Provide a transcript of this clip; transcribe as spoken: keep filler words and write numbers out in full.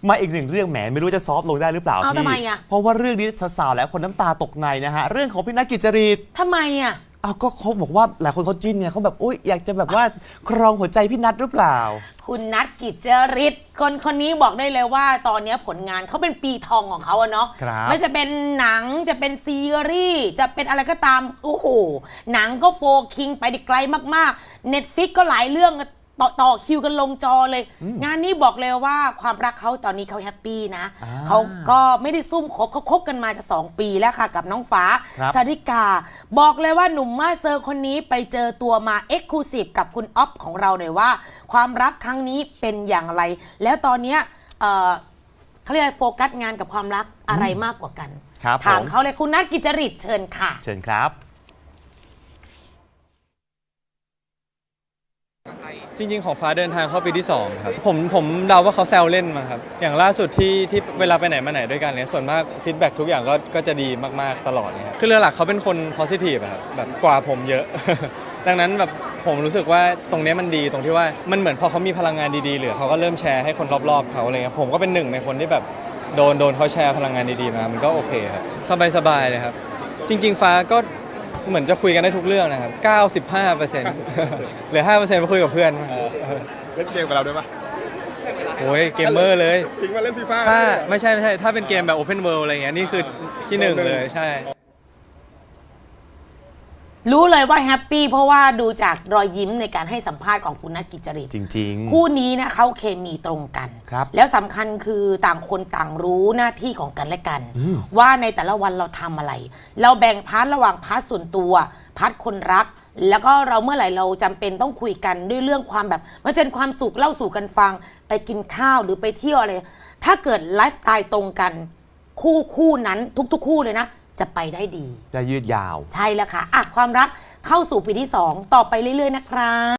มาอีกหนึ่งเรื่องแหมไม่รู้จะซอฟต์ลงได้หรือเปล่าพี่ทำไมอ่ะเพราะว่าเรื่องนี้สาวๆและคนน้ำตาตกในนะฮะเรื่องของพี่นัทกิจจริตทำไมอ่ะอ้าวก็เขาบอกว่าหลายคนเขาจิ้นไงเขาแบบอุ้ยอยากจะแบบว่าครองหัวใจพี่นัทหรือเปล่าคุณนัทกิจจริตคนคนนี้บอกได้เลยว่าตอนนี้ผลงานเขาเป็นปีทองของเขาอะเนาะไม่จะเป็นหนังจะเป็นซีรีส์จะเป็นอะไรก็ตามโอ้โหหนังก็โฟคิงไปได้ไกลมากๆ Netflix ก็หลายเรื่องต่อต่อคิวกันลงจอเลยงานนี้บอกเลยว่าความรักเขาตอนนี้เขาแฮปปี้นะเขาก็ไม่ได้ซุ่มคบเขาคบกันมาจะสองปีแล้วค่ะกับน้องฟ้าสาริกาบอกเลยว่าหนุ่มมาเซอร์คนนี้ไปเจอตัวมาเอ็กซ์คลูซีฟกับคุณอ๊อฟของเราหน่อยว่าความรักครั้งนี้เป็นอย่างไรแล้วตอนนี้เอ่อเขาเรียกโฟกัสงานกับความรักอะไรมากกว่ากันถามเขาเลยคุณนัทกิจจริตเชิญค่ะเชิญครับจริงๆของฟ้าเดินทางเข้าปีที่สองครับผมผมเดาว่าเขาแซวเล่นมาครับอย่างล่าสุดที่ที่เวลาไปไหนมาไหนด้วยกันเนี่ยส่วนมากฟีดแบ็กทุกอย่างก็ก็จะดีมากๆตลอดเนี่ยคือเรื่องหลักเขาเป็นคน positive ครับแบบกว่าผมเยอะ ดังนั้นแบบผมรู้สึกว่าตรงนี้มันดีตรงที่ว่ามันเหมือนพอเขามีพลังงานดีๆเหลือเขาก็เริ่มแชร์ให้คนรอบๆเขาอะไรเงี้ยผมก็เป็นหนึ่งในคนที่แบบโดนโดนเขาแชร์พลังงานดีๆมามันก็โอเคครับสบายๆเลยครับจริงๆฟ้าก็เหมือนจะคุยกันได้ทุกเรื่องนะครับ เก้าสิบห้าเปอร์เซ็นต์ เหลือ ห้าเปอร์เซ็นต์ มาคุยกับเพื่อนเล่นเกมกับเราด้วยปะโอ้ยเกมเมอร์เลยจริงว่าเล่นฟีฟ่าถ้าไม่ใช่ไม่ใช่ถ้าเป็นเกมแบบ Open World อะไรเงี้ยนี่คือที่หนึ่งเลยใช่รู้เลยว่าแฮปปี้เพราะว่าดูจากรอยยิ้มในการให้สัมภาษณ์ของคุณนัทกิจจริตจริงๆคู่นี้นะเขาเคมีตรงกันแล้วสำคัญคือต่างคนต่างรู้หน้าที่ของกันและกันว่าในแต่ละวันเราทำอะไรเราแบ่งพาร์ทระหว่างพาร์ทส่วนตัวพาร์ทคนรักแล้วก็เราเมื่อไหร่เราจำเป็นต้องคุยกันด้วยเรื่องความแบบมันเป็นความสุขเล่าสู่กันฟังไปกินข้าวหรือไปเที่ยวอะไรถ้าเกิดไลฟ์สไตล์ตรงกันคู่คู่นั้นทุกๆคู่เลยนะจะไปได้ดีจะยืดยาวใช่แล้วค่ะอ่ะความรักเข้าสู่ปีที่สองต่อไปเรื่อยๆนะครับ